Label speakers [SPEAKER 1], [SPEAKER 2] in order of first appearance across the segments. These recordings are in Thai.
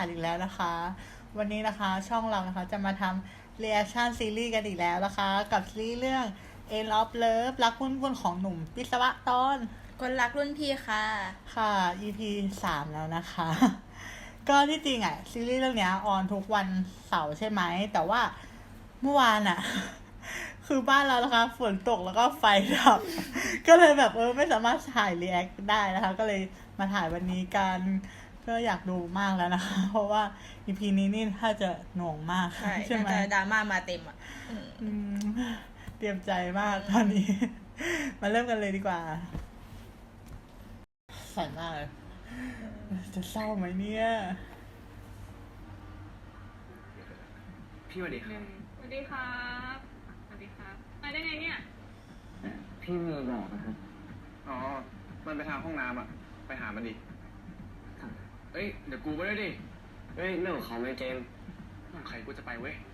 [SPEAKER 1] านอีกแล้วนะคะวันนี้นะคะช่องเรานะคะจะมาทำ reaction ซีรีส์กันอีกแล้วนะคะกับซีรีส์เรื่อง End of Love รักวุ่นๆของหนุ่มวิศวะตอน
[SPEAKER 2] คนรักรุ่นพี่ค่ะ
[SPEAKER 1] ค่ะ EP 3แล้วนะคะก็ที่จริงอ่ะซีรีส์เรื่องนี้ออนทุกวันเสาร์ใช่ไหมแต่ว่าเมื่อวานอ่ะคือบ้านเรานะคะฝนตกแล้วก็ไฟดับก็เลยแบบไม่สามารถถ่ายรีแอคได้นะคะก็เลยมาถ่ายวันนี้กันก็อยากดูมากแล้วนะคะเพราะว่า EP นี้นี่ถ้าจะหน่วงมากใช่ไหม
[SPEAKER 2] ดราม่ามาเต็มอ่ะ
[SPEAKER 1] เตรียมใจมากตอนนี้มาเริ่มกันเลยดีกว่าสั่นมากเลยจะเศร้าไหมเนี่ย
[SPEAKER 3] พี่สวัสดีครับ
[SPEAKER 4] สวัสดีครับสวัสดีครับมาได้ไงเนี่ย
[SPEAKER 3] พี่มีบอกนะครับอ๋อ มันไปทางห้องน้ำอ่ะ ไปหามันดิเอ้ย เดี๋ยวกูไปด้วยดิเฮ้ยเรื่องของเขาไม่เกมใครกูจะไปเว้ย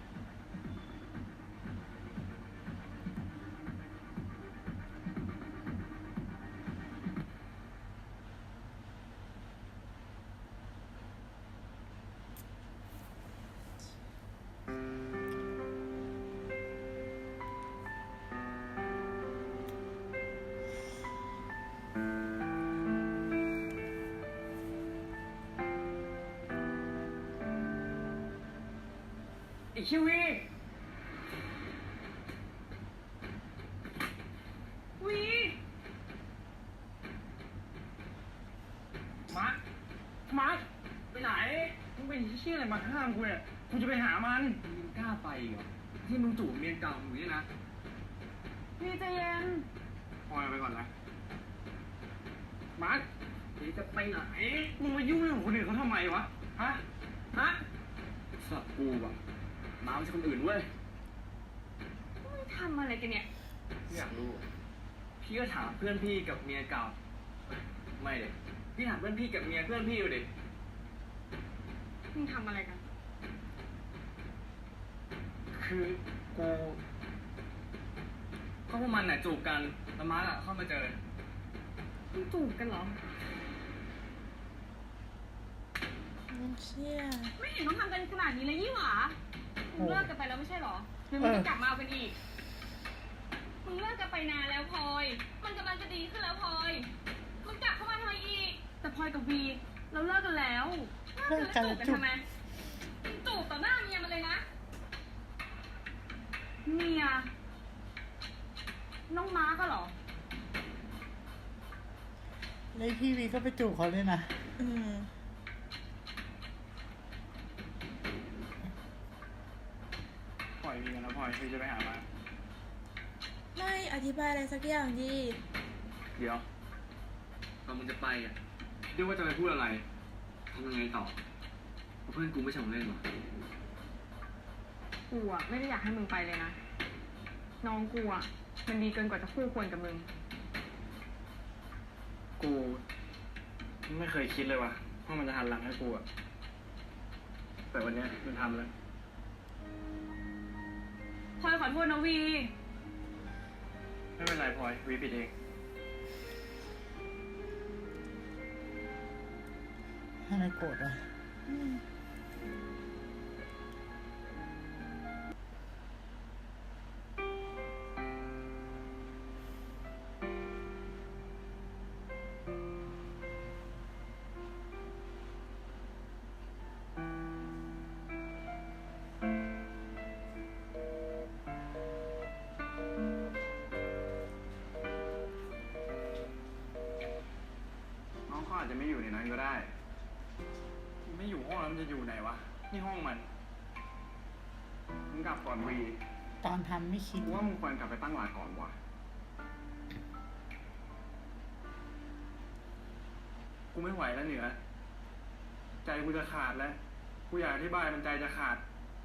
[SPEAKER 3] ไอ้คิวีมาร์คไปไหน มึงเป็นเชี่ยอะไรมาห้ามกูเนี่ยกูจะไปหามันมึงกล้าไปเหรอที่มึงจูบเมียเก่ามึงเนี่ยนะ
[SPEAKER 4] พี่ใจเย็น
[SPEAKER 3] พลอยไปก่อนนะมาร์คเดี๋ยวจะไปไหน มึงมายุ่งเรื่องของคนอื่นเขาทำไมวะ ฮะสับกูว่ะมาไม่ใช่คนอื่นเว้ย
[SPEAKER 4] มึงทำอะไรกันเนี่ย
[SPEAKER 3] อยากรู้พี่ก็ถามเพื่อนพี่กับเมียเก่าไม่เด็พี่ถามเพื่อนพี่กับเมียเพื่อนพี่ดูดิ
[SPEAKER 4] มึงทำอะไรกัน
[SPEAKER 3] คือกูก็พวกมันน่ะจูบกันแล้วมาร์คเข้ามาเจอ
[SPEAKER 4] มึงจูบกันเหรอ
[SPEAKER 2] มันเชี่ย
[SPEAKER 4] ไม่เห็นต้องทำกันขนาดนี้เลยยี่หว่ามึงเลิกกันไปแล้วไม่ใช่เหรอหรือมึงจะกลับมาเอากันอีกมึงเลิกกันไปนานแล้วพลอยมันกำลังจะดีขึ้นแล้วพลอยมึงกลับเข้ามาทำไมอีกแต่พลอยกับวีเราเลิกกันแล้วเลิกกันแล้วจูบกันทำไมมึงจูบต่อหน้าเมียมันเลยนะเมียน้องม้าก็เหรอ
[SPEAKER 1] แล้วพี่วีก็ไปจูบเขาเลยนะ
[SPEAKER 3] ปล่อยวีกันแล้วพลอยวีจะไปหามา
[SPEAKER 2] ไม่อธิบายอะไรสักอย่างดิ
[SPEAKER 3] เดี๋ยวตอนมึงจะไปอ่ะเรียกว่าจะไปพูดอะไรทำยังไงต่อเพราะเพื่อนกูไม่ใช่ของเล่นหรอ
[SPEAKER 4] กูอะไม่ได้อยากให้มึงไปเลยนะน้องกูอะมันดีเกินกว่าจะคู่ควรกับมึง
[SPEAKER 3] กูไม่เคยคิดเลยว่ะว่ามันจะหันหลังให้กูอะแต่วันนี้มันทำแล้ว
[SPEAKER 4] พลอยขอโทษนะวี
[SPEAKER 3] ไม่เป็นไรพลอยวีผิดเอง
[SPEAKER 1] ทำไมโกรธอ่ะ
[SPEAKER 3] น้องเขาอาจจะไม่อยู่ในนั้นก็ได้ไม่อยู่ห้องแล้วมันจะอยู่ไหนวะนี่ห้องมันมึงกลับก่อนวี
[SPEAKER 1] ตอนทำไม่คิด
[SPEAKER 3] กูว่ามึงควรกลับไปตั้งหลักก่อนว่ะกูไม่ไหวแล้วเหนือใจกูจะขาดแล้วกูอยากอธิบายมันใจจะขาด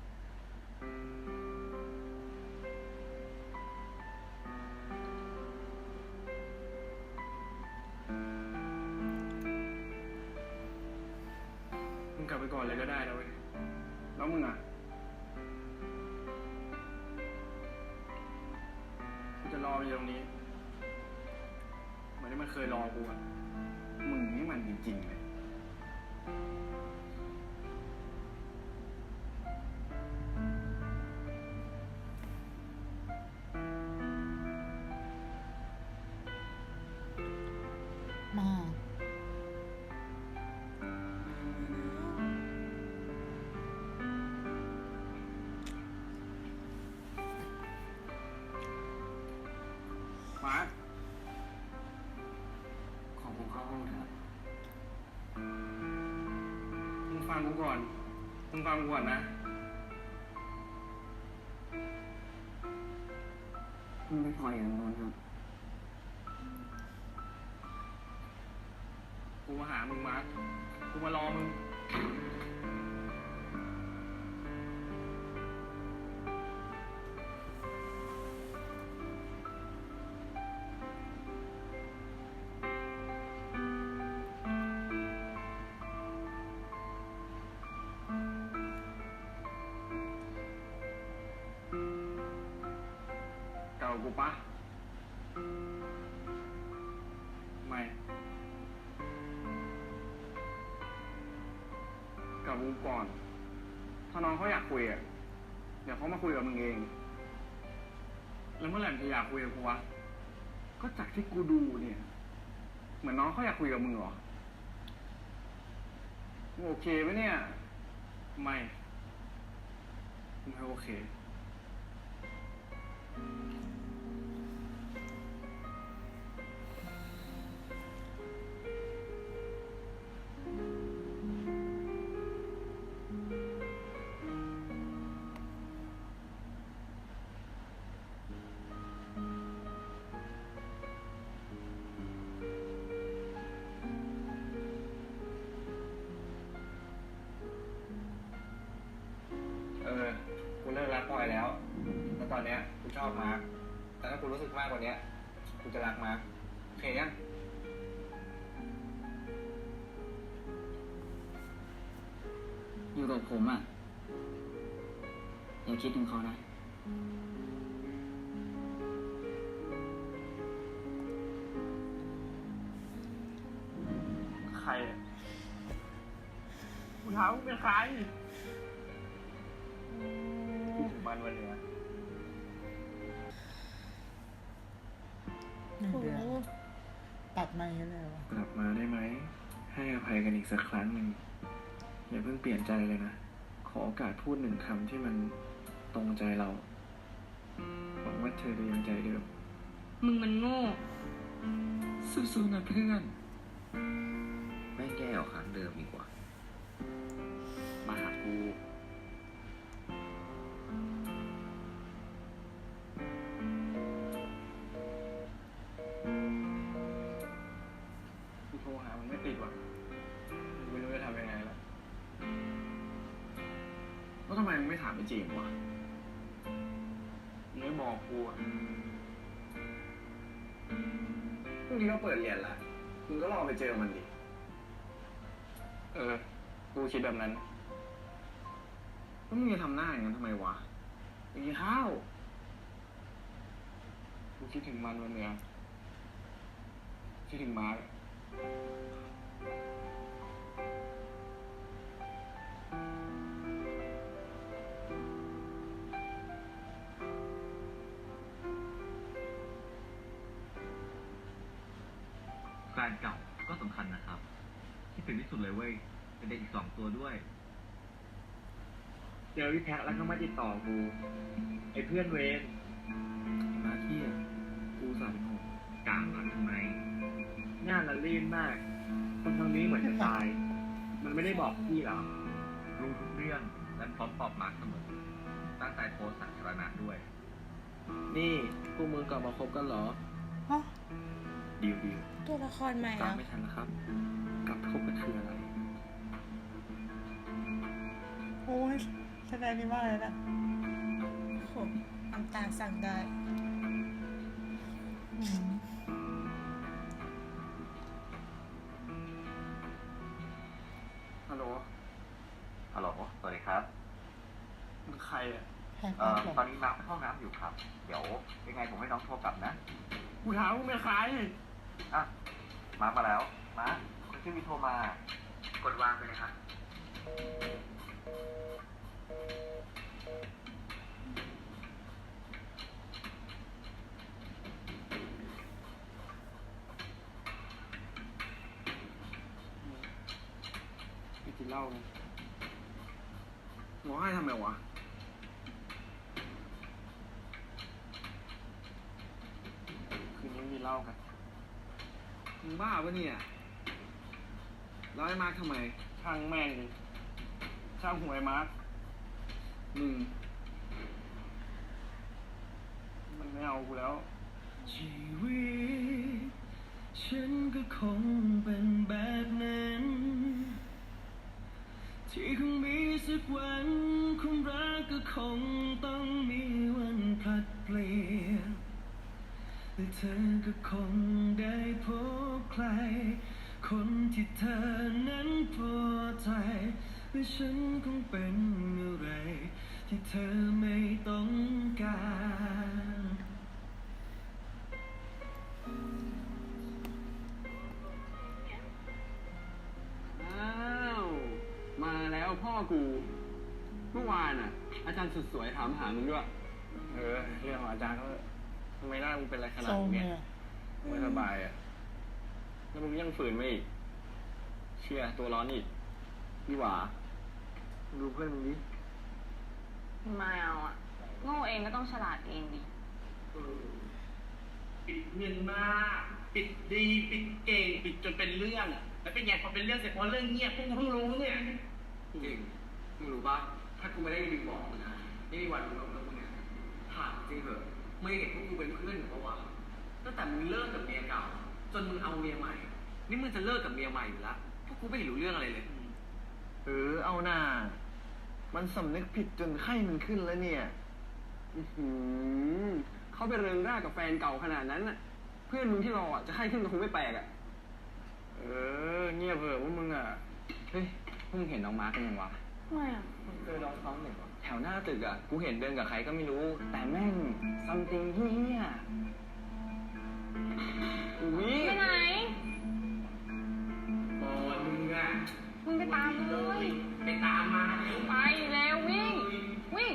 [SPEAKER 3] มึงกลับไปก่อนเลยก็ได้นะเว้ยแล้วมึงอ่ะกูจะรออยู่ตรงนี้เหมือนที่มันเคยรอกูอ่ะมึงนี่มันจริงๆเลยก่อน มึงฟังกูก่อนนะ
[SPEAKER 5] มึงไม่พออย่างนั้นครับ
[SPEAKER 3] กูมาหามึงมาร์คกูมารอมึง เก่ากูปะไม่ กับกูก่อน ถ้าน้องเขาอยากคุยอ่ะ เดี๋ยวเขามาคุยกับมึงเอง แล้วเมื่อไหร่มึงจะอยากคุยกับกูวะ ก็จากที่กูดูเนี่ย เหมือนน้องเขาอยากคุยกับมึงเหรอมึงโอเคปะเนี่ย ไม่โอเค กูเลิกรักพลอยแล้ว แล้วตอนเนี้ยกูชอบมาร์คแต่ถ้ากูรู้สึกมากกว่านี้กูจะรักมาร์คโอเคยัง
[SPEAKER 5] อยู่กับผมอ่ะ อย่าคิดถึงเขานะ
[SPEAKER 3] ใครอะกูถามมึงเป็นใครคิดถึงมันวันเนี้ย
[SPEAKER 1] 1
[SPEAKER 2] โห
[SPEAKER 1] เดือนตัดมาอย่างนี้เลยวะ
[SPEAKER 3] กลับมาได้ไหม ให้อภัยกันอีกสักครั้งหนึ่ง อย่าเพิ่งเปลี่ยนใจเลยนะ ขอโอกาสพูด1 คำที่มันตรงใจเราหวังว่าเธอจะยังใจเดิม
[SPEAKER 4] มึงมันโง่
[SPEAKER 3] สู้ๆนะเพื่อน
[SPEAKER 5] ไม่แก้ออกครั้งเดิมดีกว่า
[SPEAKER 3] มาหากูโทรหามันไม่ติดว่ะไม่รู้จะทำยังไงแล้วแล้วทำไมมึงไม่ถามไอ้จีมวะมึงไม่บอกกูอ่ะพรุ่งนี้ก็เปิดเรียนละมึงก็ลองไปเจอมันดิ กูคิดแบบนั้นแล้วมึงจะทำหน้าอย่างนั้นทำไมวะไปกินข้าวกูคิดถึงมันวันเนี้ยคิดถึงมาร์ค
[SPEAKER 6] แฟนเก่าก็สำคัญนะครับที่ถึงที่สุดเลยเว้ยเป็นเด็กอีก2 ตัวด้วย
[SPEAKER 3] เจอพี่แพ็คแล้วก็มาติดต่อกู ไอ้เพื่อนเวรมาที่กูสั่นหก
[SPEAKER 6] กลางรักทำไม
[SPEAKER 3] งานละลื่นมากคนทางนี้เหมือนจะตาย มันไม่ได้บอกพี่หรอ
[SPEAKER 6] รู้ทุกเรื่องและพร้อมตอบมาร์คเสมอตั้งใจโพสต์สาธารณะด้วย
[SPEAKER 3] นี่พวกมึงกลับมาคบกันเหรอ
[SPEAKER 1] ฮะ
[SPEAKER 3] ดิว
[SPEAKER 2] ตัวละครใหม่
[SPEAKER 3] ตาม
[SPEAKER 2] อ่ะ
[SPEAKER 3] ไม่ทันแล้วครับ กลับคบกันคืออะไร
[SPEAKER 1] โอ้ยแสดงดีมากเลยนะ
[SPEAKER 2] โหน้ำตาสั่งได้
[SPEAKER 1] อืม
[SPEAKER 3] ฮัลโหล
[SPEAKER 6] ฮัลโหล สวัสดีครับ
[SPEAKER 3] มึงใครอ่ะ
[SPEAKER 1] แพงมาก
[SPEAKER 6] ตอนนี้น้ำเข้าน้ำอยู่ครับ เดี๋ยวยังไงผมให้น้องโทรกลับนะ
[SPEAKER 3] กูถามมึงเป็นใคร
[SPEAKER 6] อ่ะ มาแล้ว มาคนชื่อวิโทรมา กดวางไปเลยครับ
[SPEAKER 3] ไปกินเหล้าไงร้องไห้ทำไมวะ คืนนี้มีเหล้ากัน มึงบ้าปะเนี่ยร้อยมาร์คทำไมช่างแม่งเลยช่างหัวไอ้มาร์คมันไม่เอากูแล้ว
[SPEAKER 7] ชีวิตฉันก็คงเป็นแบบนั้น ที่คงมีสักวันความรักก็คงต้องมีวันพลัดเปลี่ยนและเธอก็คงได้พบใคร คนที่เธอนั้นพอใจและฉันคงเป็นอะไรที่เธอไม่ต้องการ
[SPEAKER 3] อ้าว มาแล้วพ่อกู เมื่อวานอ่ะ อาจารย์สุดสวยถามหามึงด้วย เรื่องของอาจารย์เขาทำไมหน้ามึงเป็นอะไรขนาด
[SPEAKER 1] โซม
[SPEAKER 3] นี้
[SPEAKER 1] เลยอะ
[SPEAKER 3] ไม่สบายอ่ะ แล้วมึงยังฝืนไม่อีก เชื่อตัวร้อนอีกพี่หวามึงดูเพื่อนมึงดิ
[SPEAKER 4] ไม่เอาอ่ะ โง่เองก็ต้องฉลาดเองดิ
[SPEAKER 7] ปิดเงินมากปิดดีปิดเก่งปิดจนเป็นเรื่องอ่ะแล้วเป็นไงพอเป็นเรื่องเสร็จพอเรื่องเงียบพวกกูเพิ่งรู้เนี่ย
[SPEAKER 3] จริงมึงรู้ปะถ้ากูไม่ได้รีบบอกมึงนะไม่มีวันรู้หรอกเรื่องพวกเนี้ยถามจริงเหอะไม่เห็นพวกกูเป็นเพื่อนหรือเปล่าวะตั้งแต่มึงเลิกกับเมียเก่า จนมึงเอาเมียใหม่ นี่มึงจะเลิกกับเมียใหม่อยู่แล้วพวกกูไม่เห็นรู้เรื่องอะไรเลย เอาหน้า มันสำนึกผิดจนไข้มันขึ้นแล้วเนี่ยเขาไปเริงร่ากับแฟนเก่าขนาดนั้นน่ะ เพื่อนมึงที่รออ่ะจะไข้ขึ้นก็คงไม่แปลกอ่ะ เงียบเถอะพวกมึงอ่ะ เฮ้ยพวกมึงเห็นน้องมาร์คกันยังวะ
[SPEAKER 4] ไม่อ่ะ
[SPEAKER 3] เจอน้องเขาหนึ่งแถวหน้าตึกอ่ะ กูเห็นเดินกับใครก็ไม่รู้ แต่แม่งซัมติงเฮียอุ้ย
[SPEAKER 4] ไปไหน
[SPEAKER 7] โอ้ยมึงอ่ะ
[SPEAKER 4] มึงไปตามเลย
[SPEAKER 7] ไปตามมาเร็ว
[SPEAKER 4] ไปแล้ววิ่ง วิ่ง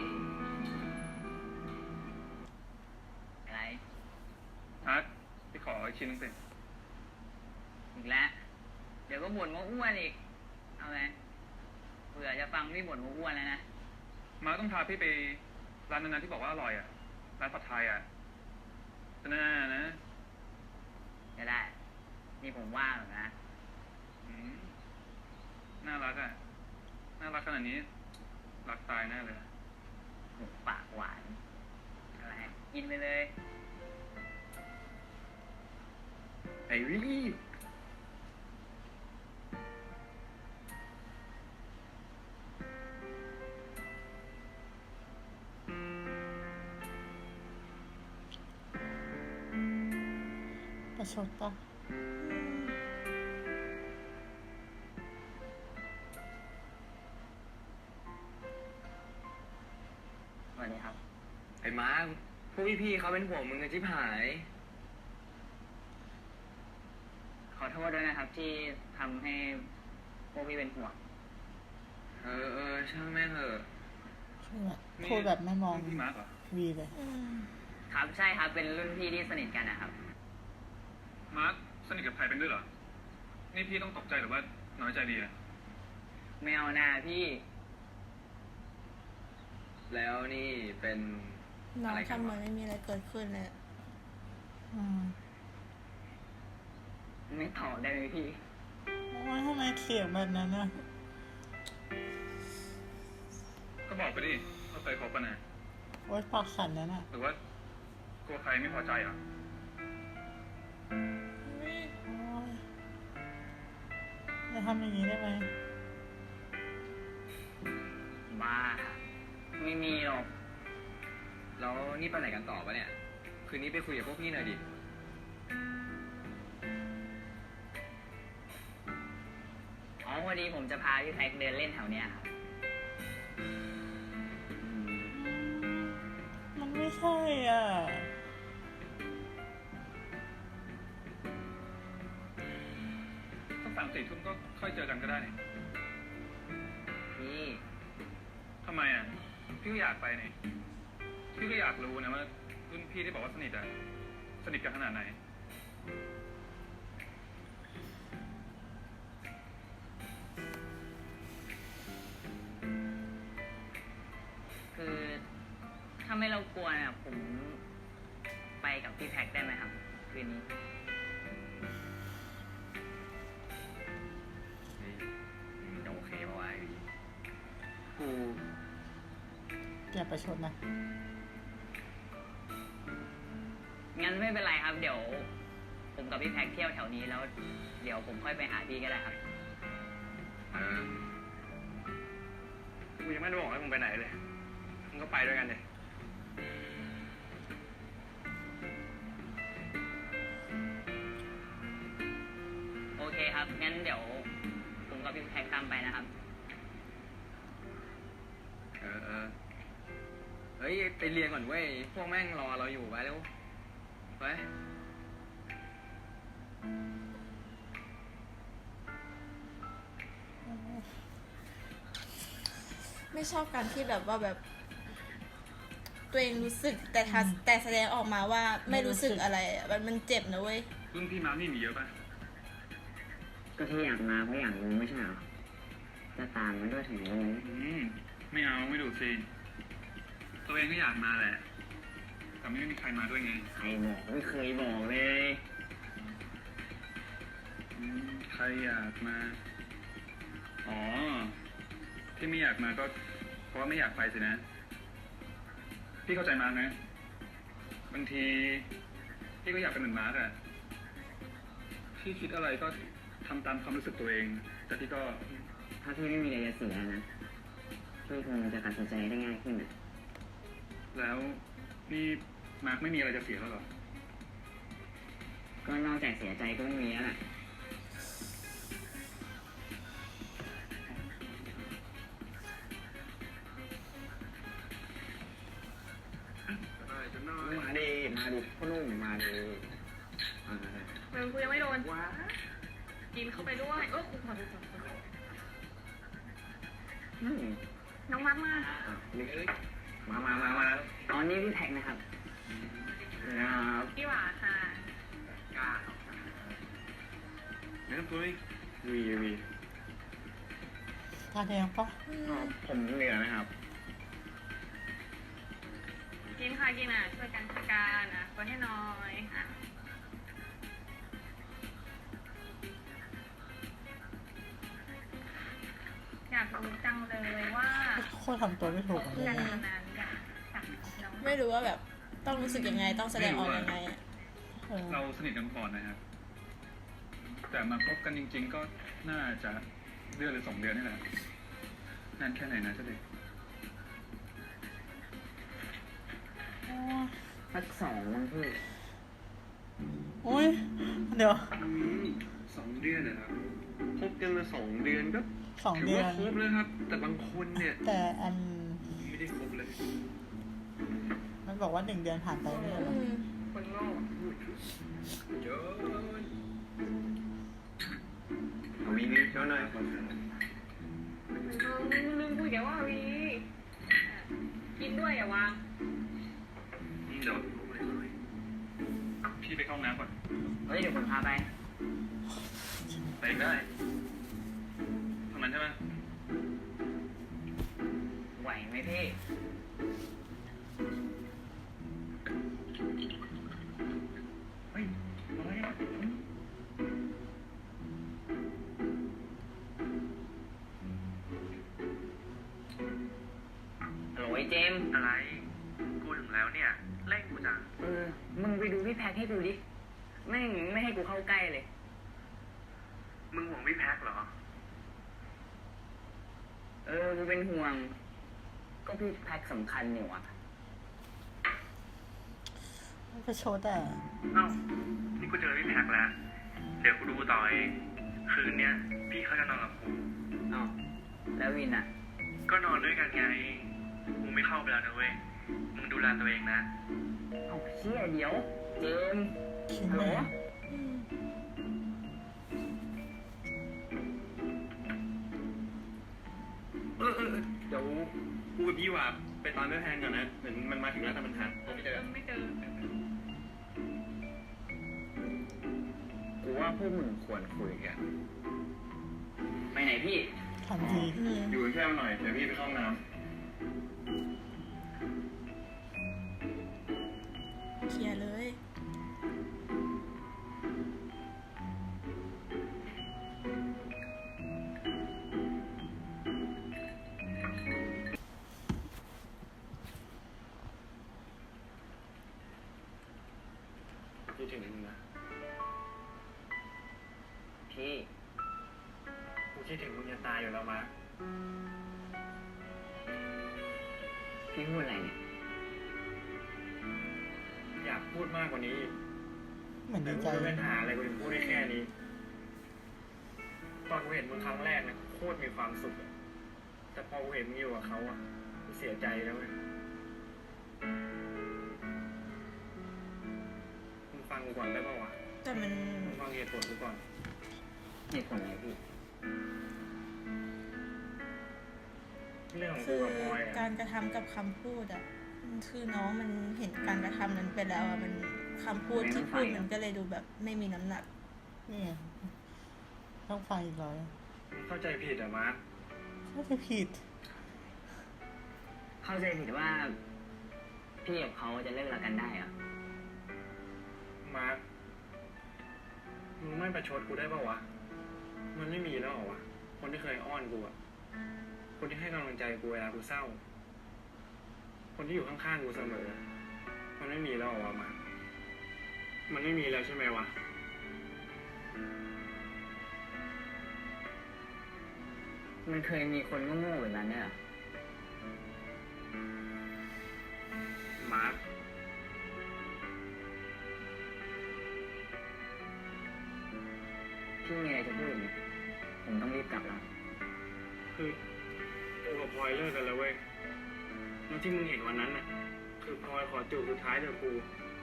[SPEAKER 5] อะไร
[SPEAKER 8] อาร์ตพี่ขออีกชิ้นนึงสิ
[SPEAKER 5] อีกแล้ว เดี๋ยวก็บ่นว่าอ้วนอีก เอาไงเผื่อจะฟังพี่บ่นว่าอ้วนแล้วนะ
[SPEAKER 8] มาต้องพาพี่ไปร้านนั้นๆที่บอกว่าอร่อยอ่ะ ร้านผัดไทยอ่ะจะน่านะ
[SPEAKER 5] จะได้ นี่ผมว่างหรอกนะ
[SPEAKER 8] อืมน่ารักอ่ะ น่ารักขนาดนี้ รักตายแน่เลย
[SPEAKER 5] หมูปากหวาน อะไร กินไปเลย
[SPEAKER 3] ไอ้วิล
[SPEAKER 1] ประชดปะ
[SPEAKER 5] สวัสดีครับ
[SPEAKER 3] ไอ้มาร์คพวกพี่ๆเขาเป็นห่วงมึงกันชิบหาย
[SPEAKER 5] ขอโทษด้วยนะครับ ที่ทำให้พวกพี่เป็นห่วง
[SPEAKER 3] ช่างแม่งเถอะ
[SPEAKER 1] พูดแบบไม่มอง
[SPEAKER 8] พี่มาร์คเหรอ
[SPEAKER 1] วีเลย
[SPEAKER 5] ครับ ใช่ครับ เป็นรุ่นพี่ที่สนิทกันนะครับ
[SPEAKER 8] มาร์คสนิทกับใครเป็นด้วยเหรอ นี่พี่ต้องตกใจหรือว่าน้อยใจดีอ่ะ
[SPEAKER 5] ไม่เอาหน้าพี่
[SPEAKER 3] แล้วนี่เป็น
[SPEAKER 2] น้อง
[SPEAKER 3] อะไรกัน
[SPEAKER 2] ทำเหมื
[SPEAKER 3] วะ
[SPEAKER 2] อนไม่มีอะไรเกิดขึ้นเลย
[SPEAKER 1] อืม
[SPEAKER 5] ไม่ตอบได้ไหมพี่
[SPEAKER 1] ว่าทำไมเสียงแบบนั้นนะ
[SPEAKER 8] ก็บอกไปดิว่าเคยคบกันนะ
[SPEAKER 1] โอ๊ยปากสั่นแล้วน่ะ
[SPEAKER 8] หรือว่ากลัวใครไม่พอใจเหรอ
[SPEAKER 1] โอ๊ยจะทำอย่างนี้ได้ไหม
[SPEAKER 5] บ้า ไม่มีหรอก
[SPEAKER 3] แล้วนี่ไปไหนกันต่อปะเนี่ย คืนนี้ไปคุยกับพวกพี่หน่อยดิ
[SPEAKER 5] อ๋อพอดีผมจะพาพี่แพ็คเดินเล่นแถวเนี้ยครับ
[SPEAKER 1] มันไม่ใช่อ่ะ
[SPEAKER 8] สัก3-4 ทุ่มก็ค่อยเจอกันก็ได้นี่
[SPEAKER 5] พี่
[SPEAKER 8] ทำไมอ่ะ พี่ก็อยากไปนี่ พี่ก็อยากรู้นะว่ารุ่นพี่ที่บอกว่าสนิทอ่ะ สนิทกันขนาดไหน
[SPEAKER 5] คือถ้าไม่รบกวนอะผมไปกับพี่แพ็คได้ไหมครับ คืนนี้
[SPEAKER 3] จะโอเคปะวะไอ้วี
[SPEAKER 5] ค
[SPEAKER 3] กู
[SPEAKER 1] อย่าประชดนะ
[SPEAKER 5] งั้นไม่เป็นไรครับ เดี๋ยว ผมกับพี่แพ็คเที่ยวแถวนี้แล้ว เดี๋ยวผมค่อยไปหาพี่ก็ได้ครับ
[SPEAKER 3] กูยังไม่ได้บอกให้มึงไปไหนเลย มึงก็ไปด้วยกันเลย
[SPEAKER 5] โอเคครับ งั้นเดี๋ยว ผมกับพี่แพ็คตามไปนะครับ
[SPEAKER 3] เฮ้ย ไปเรียนก่อนเว้ย พวกแม่งรอเราอยู่ไปเร็วไป
[SPEAKER 2] ไม่ชอบการที่แบบว่าแบบ ตัวเองรู้สึกแต่แสดงออกมาว่าไม่รู้สึกอะไรอะมันเจ็บนะเว้ย
[SPEAKER 8] รุ่นพี่มาร์คนี่มีเยอะป่ะ
[SPEAKER 5] ก็ที่อยากมาเพราะอยากรู้ไม่ใช่เหรอ จะตามมันด้วยถึงรู้
[SPEAKER 8] ไม่เอาไม่ดูสิตัวเองก็อยากมาแหละ แต่ไม่มีใครมาด้วยไง
[SPEAKER 5] ใครบอกไม่เคยบอกเลย
[SPEAKER 8] ใครอยากมา อ๋อ ที่ไม่อยากมาก็ เพราะว่าไม่อยากไปสินะ พี่เข้าใจมาร์คนะ บางทีพี่ก็อยากเป็นเหมือนมาร์คอะพี่คิดอะไรก็ทำตามความรู้สึกตัวเอง แต่พี่ก็
[SPEAKER 5] ถ้าพี่ไม่มีอะไรจะเสียนะ พี่คงจะตัดสินใจได้ง่ายขึ้นอะ
[SPEAKER 8] แล้วนี่มาร์คไม่มีอะไรจะเสียแล้วเหรอ
[SPEAKER 5] ก็นอกจากเสียใจก็ไม่มีแล้วแหละ
[SPEAKER 3] มาดิพ่อนุ่มมาดิ
[SPEAKER 4] มึงกูยังไม่โดนกินเข้าไปด้วยกูขอโทษน้องมักมา
[SPEAKER 3] มา
[SPEAKER 5] อ๋อนี่พี่แพ็คนะครับ
[SPEAKER 4] พี่หวาค่ะ
[SPEAKER 8] นะครับตัวนี้
[SPEAKER 3] วี
[SPEAKER 1] ทานแดงปะ
[SPEAKER 3] ผมเหนือนะครับ
[SPEAKER 4] กินค่ะกินอ่ะช่วยกันช่วยกันอ่ะกดให้หน่อยอ่ะอยากรู้จังเลยว่า
[SPEAKER 1] โคตรทำตัวไม่ถูกเล
[SPEAKER 4] เพื่อน
[SPEAKER 1] ย
[SPEAKER 4] คนนั้นอยากจับน้อง
[SPEAKER 2] ไม่รู้ว่าแบบต้องรู้สึกยังไงต้องแสดงออกยังไงอะ
[SPEAKER 8] เราสนิทกันก่อนนะครับ แต่มาคบกันจริง ๆ ก็น่าจะเดือนหรือ2 เดือนนี่แหละนานแค่ไหนนะเจ้าเด็ก
[SPEAKER 5] สัก2มั้งพี่
[SPEAKER 1] โอ้ยเดี๋ยว
[SPEAKER 3] 2 เดือนนะครับคบกันมา2 เดือนก็
[SPEAKER 1] 2
[SPEAKER 3] ถือ
[SPEAKER 1] เดือ
[SPEAKER 3] ว่าน คบแล้วครับ แต่บางคนเนี่ย
[SPEAKER 1] แต่อัน
[SPEAKER 3] ไม่ได้คบเลย
[SPEAKER 1] มันบอกว่า1 เดือนผ่านไปไม่ใช่เหรอ
[SPEAKER 4] คนโง่
[SPEAKER 3] เยอะมีนิดเท่านั้น
[SPEAKER 4] ลืมคุยแกว่าวีกินด้วยอย่าวาง
[SPEAKER 8] เดี๋ยวพี่ไปเข้าห้องน้ำก่อน
[SPEAKER 5] เฮ้ยเดี๋ยวผมพาไป
[SPEAKER 8] ไปอีกได้เท่านั้นใช่ไหม
[SPEAKER 5] ไหวไหมพี่
[SPEAKER 8] เฮ้ยอะไรอ่ะ
[SPEAKER 5] โหลยเจมส์
[SPEAKER 6] อะไร กูถึงแล้วเนี่ยเร่งกูจัง
[SPEAKER 5] มึงไปดูพี่แพ็คให้ดูดิไม่ให้กูเข้าใกล้เลย
[SPEAKER 6] มึงห่วงพี่แพ็คเหรอ
[SPEAKER 5] กูเป็นห่วง ก็พี่แพ็คสำคัญอยู่อ่ะ
[SPEAKER 1] ประชดอ่ะ
[SPEAKER 6] เอ้า นี่กูเจอพี่แพ็คแล้ว เดี๋ยวกูดูต่อเอง คืนเนี้ยพี่เขาจะนอนกับกู
[SPEAKER 5] อ้าวแล้ววินอ่ะ
[SPEAKER 6] ก็นอนด้วยกันไง กูไม่เข้าไปแล้วนะเว้ย มึงดูแลตัวเองนะ
[SPEAKER 5] เอาเชี่ยเดี๋ยว เจมส์
[SPEAKER 1] คิด
[SPEAKER 5] ฮัลโหล
[SPEAKER 1] แม่
[SPEAKER 3] เดี๋ยวกูกับพี่ว่าไปตามแม่แพนก่อนนะ เหมือนมันมาถึงแล้วแต่มันหาไม่เจอ
[SPEAKER 4] ไม่เจอ
[SPEAKER 3] กูว่าพวกมึงควรคุยกัน
[SPEAKER 5] ไปไหนพี่
[SPEAKER 1] ทำดี
[SPEAKER 3] อยู่แค่หน่อย เดี๋ยวพี่ไปเข้าห้องน้ำ
[SPEAKER 2] เคลียร์เลย
[SPEAKER 3] คิดถึงมึงนะ
[SPEAKER 5] พี่
[SPEAKER 3] กูคิดถึงมึงจะตายอยู่แล้วมาร์ค
[SPEAKER 5] พี่พูดอะไรเนี่ย
[SPEAKER 3] อยากพูดมากกว่านี้อีก
[SPEAKER 1] เหมือน
[SPEAKER 3] แต่
[SPEAKER 1] ดี
[SPEAKER 3] กู
[SPEAKER 1] ใจ
[SPEAKER 3] ไม่เป็นหาอะไรกูถึงพูดได้แค่นี้ ตอนกูเห็นมึงครั้งแรกนะโคตรมีความสุขอะแต่พอกูเห็นมึงอยู่กับเขาอ่ะกูเสียใจแล้วเว้ยมึงฟังกูก่อนได้ป่าวะ
[SPEAKER 2] แต่มัน
[SPEAKER 3] มึงฟังเหตุผลกูก่อน
[SPEAKER 5] เหตุผลอะไรพี่
[SPEAKER 3] เรื่องของ
[SPEAKER 2] คื
[SPEAKER 3] กู
[SPEAKER 2] อ
[SPEAKER 3] กับพลอยอะ
[SPEAKER 2] การกระทำกับคำพูดอะคือน้องมันเห็นการกระทำนั้นไปแล้วอะมันคำพูดที่พูดมันก็เลยดูแบบไม่มีน้ำหนัก
[SPEAKER 1] นี่ไงต้องฟังอีกร้อย
[SPEAKER 3] มึงเข้าใจผิดอะมาร์ค
[SPEAKER 1] ถ้าจะผิด
[SPEAKER 5] เข้าใจผิดว่า พี่กับเขาจะเลิกรักกันได้เหรอ
[SPEAKER 3] มาร์คมึงไม่ประชดกูได้ป่าวะ มันไม่มีแล้วเหรอวะ คนที่เคยอ้อนกูอะคนที่ให้กำลังใจกูเวลากูเศร้า คนที่อยู่ข้างๆกูเสมอ มันไม่มีแล้วเหรอวะมาร์คมันไม่มีแล้วใช่ไหมวะ
[SPEAKER 5] มันเคยมีคนโง่ๆแบบนั้นเนี่ยเหรอ
[SPEAKER 3] มาร์ค
[SPEAKER 5] พี่มีอะไรจะพูดอีกไหมผมต้องรีบกลับแล้ว
[SPEAKER 3] คือกูกับพลอยเลิกกันแล้วเว้ยแล้วที่มึงเห็นวันนั้นน่ะ คือพลอยขอจูบสุดท้ายจากกู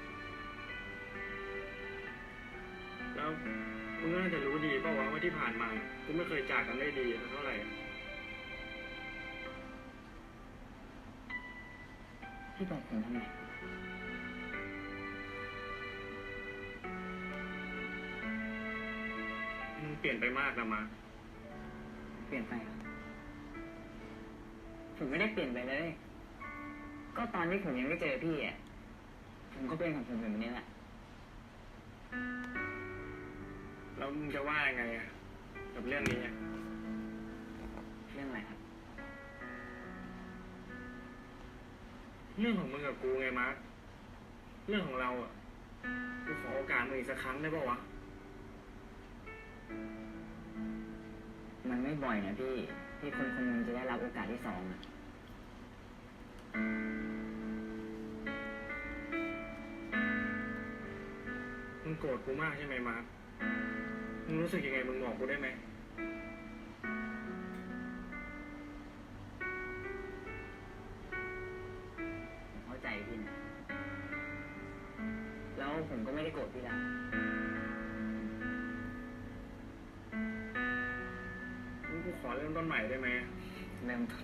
[SPEAKER 3] แล้วมึงก็น่าจะรู้ดีเปล่าวะว่าที่ผ่านมา กูไม่เคยจากกันได้ดีเท่าไหร่
[SPEAKER 5] พี่บอกผมทำไม
[SPEAKER 3] มึงเปลี่ยนไปมากนะมาร์ค
[SPEAKER 5] เปลี่ยนไปเหรอผมไม่ได้เปลี่ยนไปเลย ก็ตอนที่ผมยังไม่เจอพี่อ่ะ ผมก็เป็นของผมแบบนี้แหละ
[SPEAKER 3] แล้วมึงจะว่ายังไงอะกับเรื่องนี้อะ
[SPEAKER 5] เรื่องอะไรครับ
[SPEAKER 3] เรื่องของมึงกับกูไงมาร์คเรื่องของเราอะกูขอโอกาสมึงอีกสักครั้งได้ป่าวะ
[SPEAKER 5] มันไม่บ่อยนะพี่ ที่คนคนหนึงจะได้รับโอกาสที่สองอะ
[SPEAKER 3] มึงโกรธกูมากใช่ไหมมาร์คมึงรู้สึกยังไงมึงบอกกูได้ไหม
[SPEAKER 5] ผมเข้าใจพี่นะ แล้วผมก็ไม่ได้โกรธพี่ละ
[SPEAKER 3] มึงกูขอเริ่มต้นใหม่ได้ไหม
[SPEAKER 5] เริ่มต้น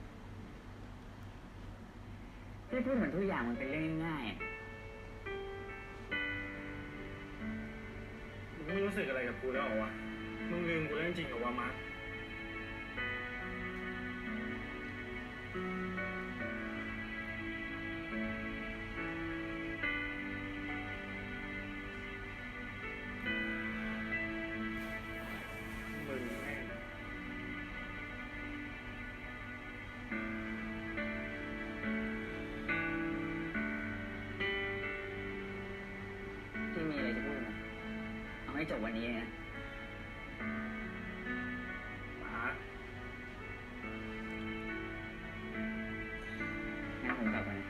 [SPEAKER 5] พี่พูดเหมือนทุกอย่างมันเป็นเรื่องง่ายๆอะ
[SPEAKER 3] มึงไม่รู้สึกอะไรกับกูแล้วเหรอวะ มึงลืมกูแล้วจริงๆเหรอวะมาร์คมึงแม่ง
[SPEAKER 5] พี่มีอะไรจะพูดไหมเอาให้จบวันนี้นะ
[SPEAKER 3] มาร์ค
[SPEAKER 5] งั้นผมกลับก่อนนะ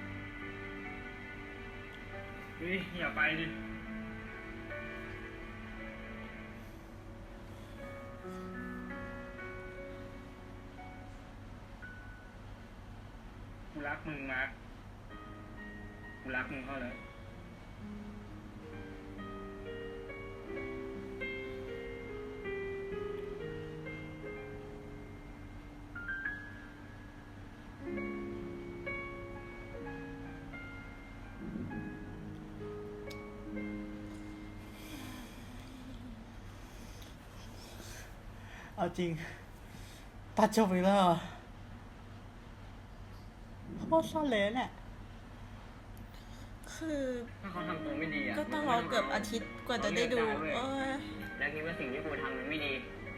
[SPEAKER 3] เฮ้ยอย่าไปดิ กูรักมึงมาร์คกูรักมึงเข้าเลย
[SPEAKER 1] เอาจริง ตัดจบอีกแล้วเหรอโคตรสั้นเลยเนี่ย
[SPEAKER 2] คือ
[SPEAKER 5] ถ้าเขาทำตัวไม่ดีอ่ะ
[SPEAKER 2] ก็ต้องรอเกือบอาทิตย์กว่าจะได้ดูเอ้ย
[SPEAKER 5] แล้วคิดว่าสิ่งที่กูทำมันไม่ดี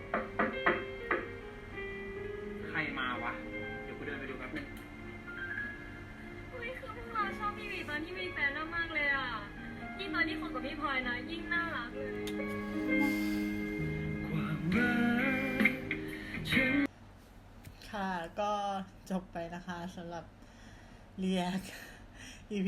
[SPEAKER 3] ใครมาวะ เดี๋ยวกูเดินไปดูแป๊บนึง
[SPEAKER 4] เฮ้ยคือพวกเราชอบพี่วีตอนที่มีแฟนมากๆเลยอ่ะยิ่งตอนที่คบกับพี่พลอยนะยิ่งน่ารักเลย
[SPEAKER 7] ความรักฉัน
[SPEAKER 1] ค่ะ ก็จบไปนะคะสำหรับเรียก EP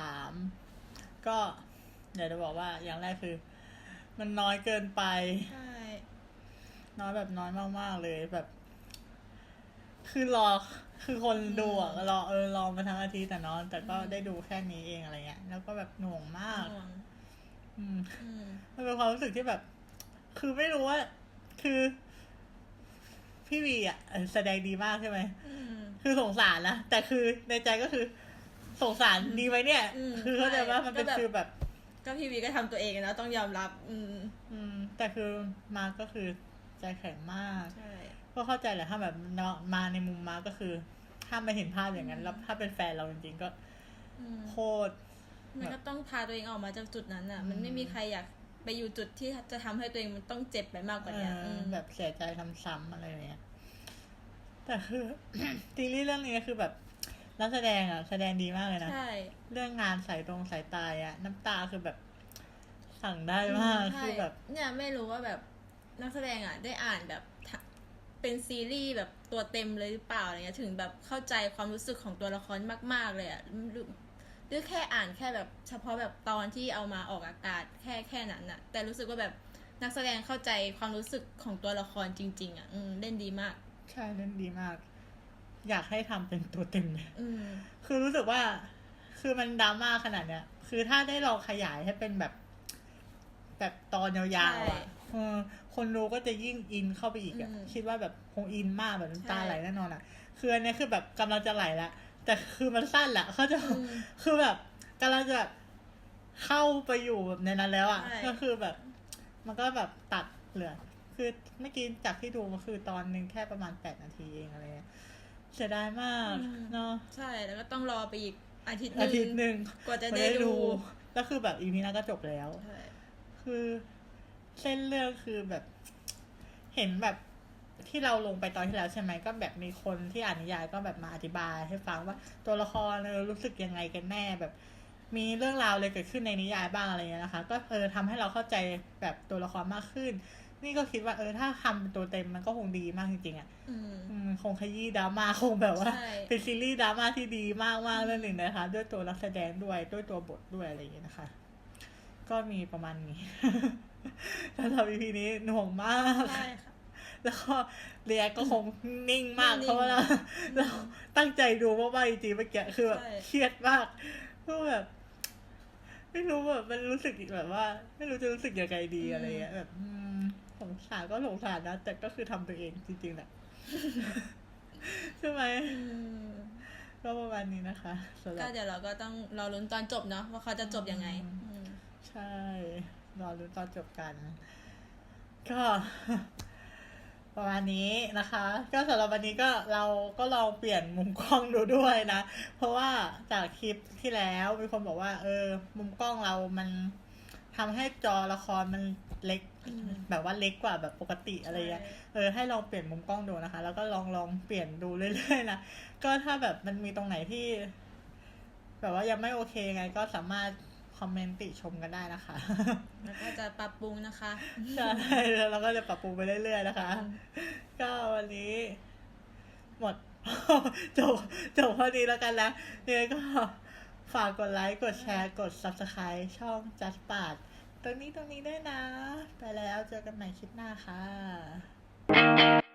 [SPEAKER 1] 3 ก็อยากจะบอกว่าอย่างแรกคือ มันน้อยเกินไป
[SPEAKER 2] ใช่
[SPEAKER 1] น้อยแบบน้อยมากๆเลยแบบ คือคือคนดูอ่ะรอมาทั้งอาทิตย์แต่นอน แต่ก็ได้ดูแค่นี้เองอะไรเงี้ยแล้วก็แบบหน่วงมาก
[SPEAKER 2] ห่วง
[SPEAKER 1] อืม
[SPEAKER 2] อืม
[SPEAKER 1] มันเป็นความรู้สึกที่แบบ คือไม่รู้ว่า คือ พี่วีอ่ะแสดงดีมากใช่ไหม
[SPEAKER 2] อืม
[SPEAKER 1] คือสงสารนะ แต่คือในใจก็คือ สงสารดีไหมเนี่ย
[SPEAKER 2] อืม
[SPEAKER 1] คือเข้าใจว่ามันเป็น
[SPEAKER 2] ก็แบบ
[SPEAKER 1] ฟีลแบบ
[SPEAKER 2] ก็พี่วีก็ทำตัวเองนะต้องยอมรับ
[SPEAKER 1] แต่คือมาร์คก็คือใจแข็งมาก
[SPEAKER 2] ใช่
[SPEAKER 1] ก็เข้าใจแหละถ้าแบบมาในมุมมาร์คก็คือ ถ้ามาเห็นภาพอย่างนั้น แล้วถ้าเป็นแฟนเราจริงๆก็
[SPEAKER 2] อืม
[SPEAKER 1] โคตร
[SPEAKER 2] มันก็ต้องพาตัวเองออกมาจากจุดนั้นอ่ะ
[SPEAKER 1] อืม
[SPEAKER 2] มันไม่มีใครอยากไปอยู่จุดที่จะทำให้ตัวเองมันต้องเจ็บไปมากกว่านี้ม
[SPEAKER 1] แบบเสียใจซ้ำๆอะไรอย่างเงี้ย แต่คือ ซีรีส์เรื่องนี้คือแบบนักแสดงอ่ะ แสดงดีมากเลยนะ
[SPEAKER 2] ใช่
[SPEAKER 1] เรื่องงานสายตาอ่ะ น้ำตาคือแบบสั่งได้มาก
[SPEAKER 2] ใช่
[SPEAKER 1] คือแบบ
[SPEAKER 2] เนี่ยไม่รู้ว่าแบบนักแสดงอ่ะได้อ่านแบบเป็นซีรีส์แบบตัวเต็มเลยหรือเปล่าอะไรเงี้ยถึงแบบเข้าใจความรู้สึกของตัวละครมากๆเลยอ่ะหรือแค่อ่านแค่แบบเฉพาะแบบตอนที่เอามาออกอากาศแค่นั้นอ่ะ แต่รู้สึกว่าแบบนักแสดงเข้าใจความรู้สึกของตัวละครจริงๆอ่ะเล่นดีมาก
[SPEAKER 1] ใช่เล่นดีมาก อยากให้ทำเป็นตัวเต็มเลย
[SPEAKER 2] อืม
[SPEAKER 1] คือรู้สึกว่า คือมันดราม่าขนาดเนี้ย คือถ้าได้ลองขยายให้เป็นแบบตอนยาวๆอ่ะ
[SPEAKER 2] ใช่
[SPEAKER 1] คนดูก็จะยิ่งอินเข้าไปอีกอ่ะ คิดว่าแบบคงอินมากแบบน้ำตา
[SPEAKER 2] ใช่
[SPEAKER 1] ไหลแน่นอนอ่ะ คืออันเนี้ยคือแบบกำลังจะไหลแล้ว แต่คือมันสั้นแหละเขาใจะ
[SPEAKER 2] อืม
[SPEAKER 1] คือแบบกำลังจะแบบเข้าไปอยู่แบบในนั้นแล้วอ่ะ
[SPEAKER 2] ใช่
[SPEAKER 1] ก็คือแบบ มันก็แบบตัดเหลือ คือเมื่อกี้จากที่ดูก็คือตอนหนึ่งแค่ประมาณ8 นาทีเองอะไรเงี้ย เสียดายมากเนาะ
[SPEAKER 2] ใช่แล้วก็ต้องรอไปอีกอาทิตย์
[SPEAKER 1] อาทิตย์หนึ่ง
[SPEAKER 2] กว่าจะได้ดู
[SPEAKER 1] แล้วคือแบบอีพีหน้าก็จบแล้ว
[SPEAKER 2] ใช่
[SPEAKER 1] คือเส้นเรื่องคือแบบ เห็นแบบที่เราลงไปตอนที่แล้วใช่ไหมก็แบบมีคนที่อ่านนิยายก็แบบมาอธิบายให้ฟังว่าตัวละครรู้สึกยังไงกันแน่แบบ มีเรื่องราวอะไรเกิดขึ้นในนิยายบ้างอะไรเงี้ยนะคะ ก็ทำให้เราเข้าใจแบบตัวละครมากขึ้น นี่ก็คิดว่าถ้าทำเป็นตัวเต็มมันก็คงดีมากจริงๆอ่ะ คงขยี้ดราม่าคงแบบว่า
[SPEAKER 2] ใช่
[SPEAKER 1] เป็นซีรีส์ดราม่าที่ดีมากๆเรื่องหนึ่งนะคะ ด้วยตัวนักแสดงด้วยตัวบทด้วยอะไรอย่างเงี้ยนะคะ ก็มีประมาณนี้ สำหรับ EP นี้หน่วงมาก
[SPEAKER 2] ใช่ค่ะ
[SPEAKER 1] แล้วก็เรียกก็คงนิ่งมาก
[SPEAKER 2] นิ่งๆ
[SPEAKER 1] เพราะว่าเราตั้งใจดูมากๆจริงๆเมื่อกี้คือแบบ
[SPEAKER 2] ใช่
[SPEAKER 1] เครียดมากก็แบบ ไม่รู้แบบมันรู้สึกแบบว่า ไม่รู้จะรู้สึกยังไงดีอะไรเงี้ยแบบสงสารก็สงสารนะแต่ก็คือทำตัวเองจริงๆแหละ ใช่ไหมก็ประมาณนี้นะคะสำหรั
[SPEAKER 2] ก็
[SPEAKER 1] บ
[SPEAKER 2] เดี๋ยวเราก็ต้องรอลุ้นตอนจบเนาะว่าเขาจะจบยังไง
[SPEAKER 1] ใช่รอรู้นตอนจบกัน ก็ ประมาณนี้นะคะ ก็สำหรับวันนี้ก็เราก็ลองเปลี่ยนมุมกล้องดูด้วยนะ เพราะว่าจากคลิปที่แล้วมีคนบอกว่า มุมกล้องเรามันทำให้จอละครมันเล็ก แบบว่าเล็กกว่าแบบปกติอะไรเงี้ย ให้ลองเปลี่ยนมุมกล้องดูนะคะ แล้วก็ลองเปลี่ยนดูเรื่อยๆนะก็ถ้าแบบมันมีตรงไหนที่ แบบว่ายังไม่โอเคไง ก็สามารถคอมเมนต์ติชมกันได้นะคะ
[SPEAKER 2] แล้วก็จะปรับปรุงนะคะ
[SPEAKER 1] ใช่แล้วเราก็จะปรับปรุงไปเรื่อยๆนะคะ ก็วันนี้ หมด จบพอดีแล้วกันนะยังไงก็ฝากกดไลค์ กดแชร์ กด Subscribe ช่อง Just Part ตรงนี้ด้วยนะ ไปแล้วเจอกันใหม่คลิปหน้าค่ะ